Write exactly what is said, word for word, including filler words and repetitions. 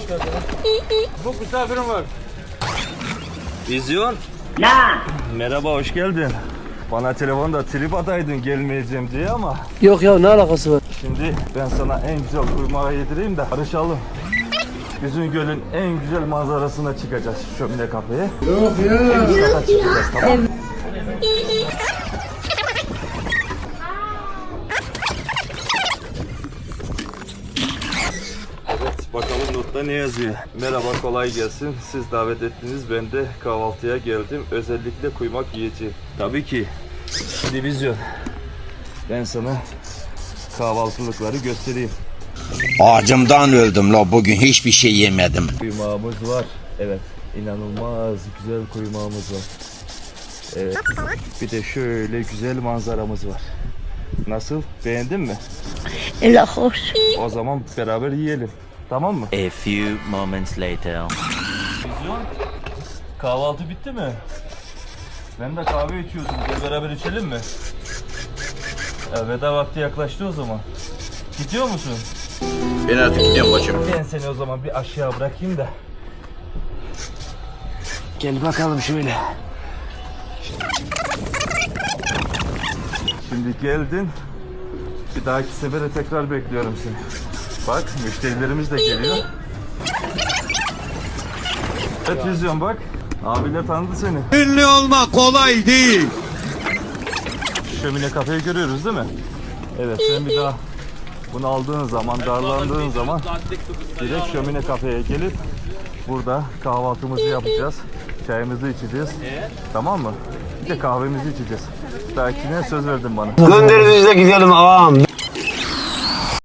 hoş geldin. Bu misafirim var. Vizyon. La. Merhaba, hoş geldin. Bana telefonda trip ataydın gelmeyeceğim diye ama Yok ya, ne alakası var? şimdi ben sana en güzel kuymağı yedireyim de barışalım. Bizim gölün en güzel manzarasına çıkacağız şömine kafeye. Yok ya. En güzel kata çıkacağız, tamam mı? Evet, bakalım notta ne yazıyor. Merhaba, kolay gelsin. Siz davet ettiniz, ben de kahvaltıya geldim. Özellikle kuymak yiyeceğim. Tabii ki. Divizyon. Ben sana kahvaltılıkları göstereyim. Acımdan öldüm la, bugün hiçbir şey yemedim. Kuymağımız var. Evet, inanılmaz güzel kuymağımız var. Evet. Bir de şöyle güzel manzaramız var. Nasıl? Beğendin mi? La hoş. O zaman beraber yiyelim. Tamam mı? A few moments later. Vizyon, kahvaltı bitti mi? Ben de kahve içiyordum. Gel beraber içelim mi? Ya, veda vakti yaklaştı o zaman. Gidiyor musun? Ben artık gidiyorum bacım. Ben seni o zaman bir aşağı bırakayım da. Gel bakalım şöyle. Şimdi geldin. Bir dahaki sefere tekrar bekliyorum seni. Bak, müşterilerimiz de geliyor. Evet Vizyon, bak. Abiler tanıdı seni. Ünlü olmak kolay değil. Şömine kafeyi görüyoruz değil mi? Evet, sen bir daha bunu aldığın zaman, darlandığın zaman direkt şömine kafeye gelip burada kahvaltımızı yapacağız. Çayımızı içeceğiz. Tamam mı? Bir de kahvemizi içeceğiz. Belki ne söz verdin bana. Gönderinize gidelim ağam.